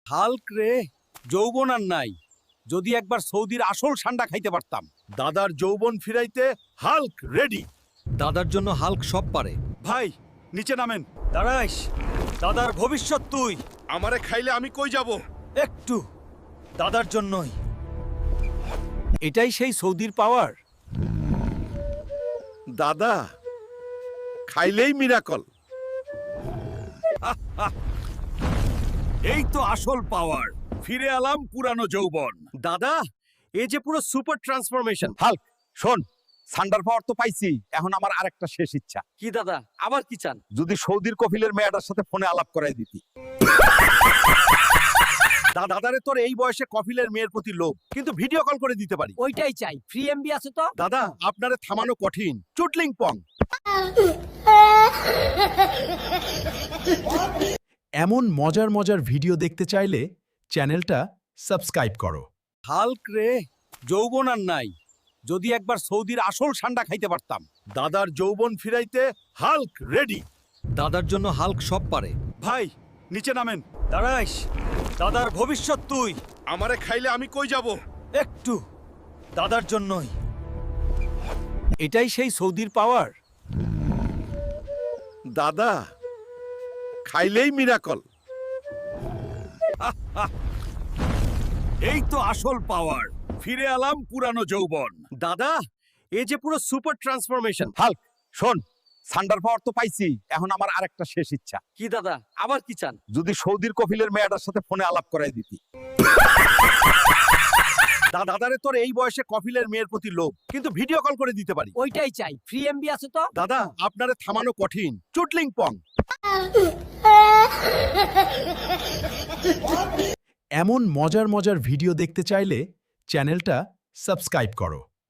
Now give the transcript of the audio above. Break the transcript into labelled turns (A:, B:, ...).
A: Hulk রে, যৌবন আর নাই। যদি একবার সৌদির আসল ঠান্ডা খাইতে পারতাম।
B: দাদার যৌবন ফিরাইতে হাল্ক রেডি।
A: দাদার জন্য হাল্ক সব পারে।
B: ভাই নিচে নামেন।
A: দাঁড়াইস, দাদার ভবিষ্যৎ তুই।
B: আমারে খাইলে আমি কই যাব?
A: একটু দাদার জন্যই। এটাই সেই সৌদির পাওয়ার।
B: দাদা খাইলেই মিরাকল।
A: এই তো আসল পাওয়ার। ফিরে এলাম পুরানো যৌবন। দাদা, এই যে পুরো সুপার ট্রান্সফরমেশন।
B: হাল্ক শোন, সান্ডার পাওয়ার তো পাইছি, এখন আমার আরেকটা শেষ ইচ্ছা।
A: কি দাদা, আবার কি চান?
B: যদি সৌদির কফিলের মেয়েটার সাথে ফোনে আলাপ করাই দিতি।
A: দাদারে তোর এই বয়সে কফিলের মেয়ের প্রতি লোভ, কিন্তু ভিডিও কল করে দিতে পারি।
C: ওইটাই চাই। ফ্রি এমবি আছে তো?
A: দাদা, আপনারে থামানো কঠিন। চুটলিং পং।
D: এমন মজার মজার ভিডিও দেখতে চাইলে চ্যানেলটা সাবস্ক্রাইব করো।
A: হাল্ক রে, যৌবন আর নাই। যদি একবার সৌদির আসল ঠান্ডা খাইতে পারতাম।
B: দাদার যৌবন ফিরাইতে হাল্ক রেডি।
A: দাদার জন্য হাল্ক সব পারে।
B: ভাই নিচে নামেন।
A: দাঁড়াইস, দাদার ভবিষ্যৎ তুই।
B: আমারে খাইলে আমি কই যাব?
A: একটু দাদার জন্যই। এটাই সেই সৌদির পাওয়ার।
B: দাদা খাইলেই মিরাকল।
A: এই তো আসল পাওয়ার। ফিরে এলাম পুরানো যৌবন। দাদা, এই যে পুরো সুপার ট্রান্সফরমেশন।
B: হাল্ক শোন, সান্ডার পাওয়ার তো পাইছি, এখন আমার আরেকটা শেষ ইচ্ছা।
C: কি দাদা, আবার কি চান?
B: যদি সৌদির কফিলের মেয়েটার সাথে ফোনে আলাপ করাই দিতি।
A: দাদারে তোর এই বয়সে কফিলের মেয়ের প্রতি লোভ, কিন্তু ভিডিও কল করে দিতে পারি।
C: ওইটাই চাই। ফ্রি এমবি আছে তো?
A: দাদা, আপনারে থামানো কঠিন। চুটলিং পং।
D: এমন মজার মজার ভিডিও দেখতে চাইলে চ্যানেলটা সাবস্ক্রাইব করো।